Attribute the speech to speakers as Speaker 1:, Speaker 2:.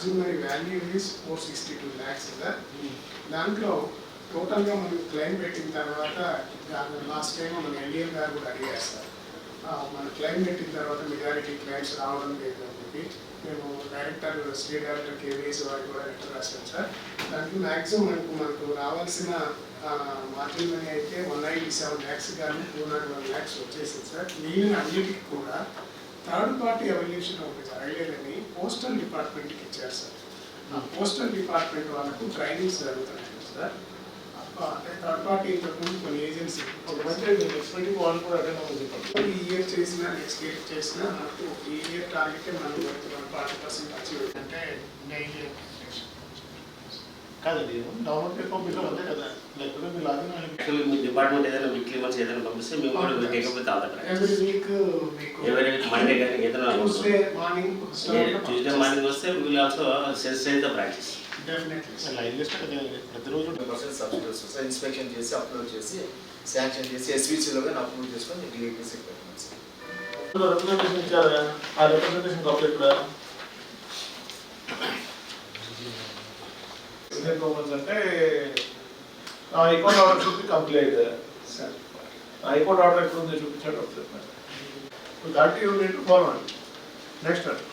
Speaker 1: మార్జినరీ value is 462 lakhs sir. దాంట్లో టోటల్గా మనం క్లెయిమ్ పెట్టిన తర్వాత లాస్ట్ టైం మన ఎన్డీఎం గారు కూడా అడిగారు సార్, మన క్లెయిమ్ పెట్టిన తర్వాత మెజారిటీ క్లెయిమ్స్ రావడం లేదు అని చెప్పి మేము డైరెక్టర్ స్టేట్ డైరెక్టర్ కేవీఎస్ వారికి కూడా లెటర్ రాశాం సార్. దాంట్లో మ్యాక్సిమం మనకు రావాల్సిన మార్జిన్ మనీ అయితే 197 lakhs కానీ 201 lakhs వచ్చేసింది సార్. మిగిలిన అన్నిటికీ కూడా థర్డ్ పార్టీ ఎవల్యూషన్ ఒకటి జరగలేదని పోస్టల్ డిపార్ట్మెంట్కి ఇచ్చారు సార్. ఆ పోస్టల్ డిపార్ట్మెంట్ వాళ్ళకు ట్రైనింగ్స్ జరుగుతున్నాయి సార్. అంటే థర్డ్ పార్టీ ఇంతకుముందు కొన్ని ఏజెన్సీ ఈ ఇయర్ చేసిన నెక్స్ట్ ఇయర్ చేసిన మనకు ఈ ఇయర్ టార్గెట్ మనం 40% అచీవ్ అంటే డైలీ
Speaker 2: కాదండి. గవర్నమెంట్ పంపించడం అంతే కదా, లేకపోతే మీ లాగిన్
Speaker 3: మీ డిపార్ట్మెంట్ ఏదైనా వీక్లీ వన్స్ ఏదైనా పంపిస్తే మేము కూడా లేకపోతే
Speaker 1: ఎవ్రీ వీక్ మీకు
Speaker 3: మండే కానీ ఏదైనా
Speaker 1: ట్యూస్డే మార్నింగ్
Speaker 3: వస్తే will also sensitize the branches.
Speaker 2: Line list ప్రతిరోజు
Speaker 4: సబ్సిడీస్ వస్తాయి. ఇన్స్పెక్షన్ చేసి అప్లోడ్ చేసి శాంక్షన్ చేసి ఎస్వీసీలో కానీ అప్లోడ్ చేసుకొని డిఐపీసీ పెట్టాం సార్.
Speaker 2: రిప్రజెంటేషన్ ఇచ్చారా? ఆ రిప్రజెంటేషన్ కాపీ ఇక్కడ అంటే హైకోర్టు ఆర్డర్ చూపి కంప్లీట్
Speaker 1: సార్.
Speaker 2: హైకోర్టు ఆర్డర్ ఎక్కడ ఉంది చూపించాడు. దాటి యూనిట్ ఫాలో నెక్స్ట్